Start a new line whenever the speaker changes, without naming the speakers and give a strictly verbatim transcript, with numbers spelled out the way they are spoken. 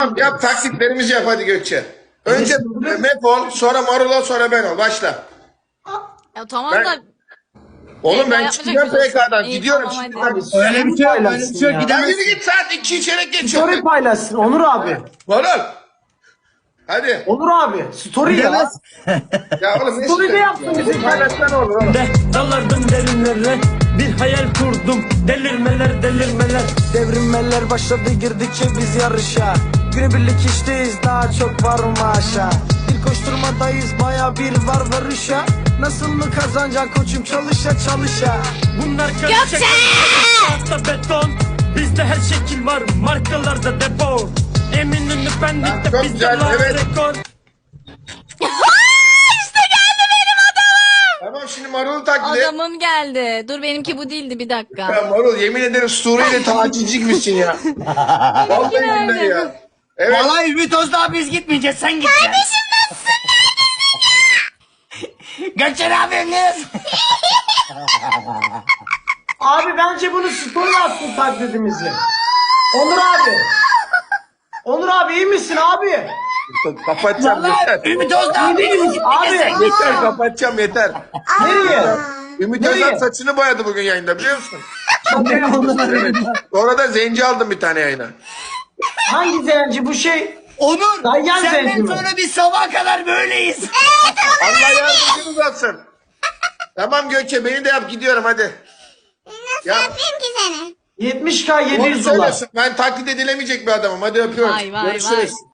Yap taklitlerimizi yap hadi Gökçe. Önce Mef ol, sonra Marul ol, sonra ben ol. Başla.
Ya tamam
Ben-
da
Oğlum ben
yapacak
çıkacağım
bir şey yok.
P K'dan.
İyi,
Gidiyorum
tamam,
şimdi.
hadi.
Hadi.
Öyle bir şey yok, öyle bir şey yok.
Ya
Gidemezsin.
yürü git saat iki çeyrek geçiyor.
Story paylaşsın Onur abi.
Marul. Hadi.
Onur abi. Story ya.
Gidemez.
Ya oğlum ne
Story de
istiyorsun
yapsın
ya?
bizim
Paylaşsan olur oğlum.
de dalardım derinlere. Bir hayal kurdum, delirmeler delirmeler.
Devrilmeler başladı girdikçe biz yarışa. Günübirlik işteyiz daha çok var mı aşağı. Bir koşturmadayız baya bir var varışa. Nasıl mı kazanacaksın koçum çalışa çalışa.
Bunlar karışık tahta beton. Bizde her şekil var, markalarda depo. Eminönü
Çok
pendikte bizde
güzel,
var
evet.
rekor.
Tamam şimdi Marul'u taklit et.
Adamım geldi. Dur benimki bu değildi bir dakika.
Ya Marul yemin ederim Suriye'de tacizcik misin ya? Vallahi
nerede?
billahi ya. Evet.
Vallahi Ümit Özdağ biz gitmeyeceğiz, sen gideceksin. Kardeşim nasılsın? Gökçen abiniz.
Abi bence bunu story yapsın taklidimizi. Onur abi. Onur abi iyi misin abi?
Kapatacağım yeter.
Ümit Özdağ benim.
Abi.
Yeter kapatacağım yeter.
Nereye?
Ümit
Nereye?
Özal saçını boyadı bugün yayında biliyor musun? Sonra da zenci aldım bir tane yayına.
Hangi zenci bu şey?
Onur,
Dayan zenci
senden
mi?
sonra biz sabaha kadar böyleyiz.
Allah yardımcınız olsun. Tamam Gökçe beni de yap gidiyorum hadi. Ya,
Yapayım ki seni.
yetmiş K yedi
onu
yüz dolar.
söylesin. Ben taklit edilemeyecek bir adamım. Hadi öpüyorum.
Vay vay
Görüşürüz.
vay.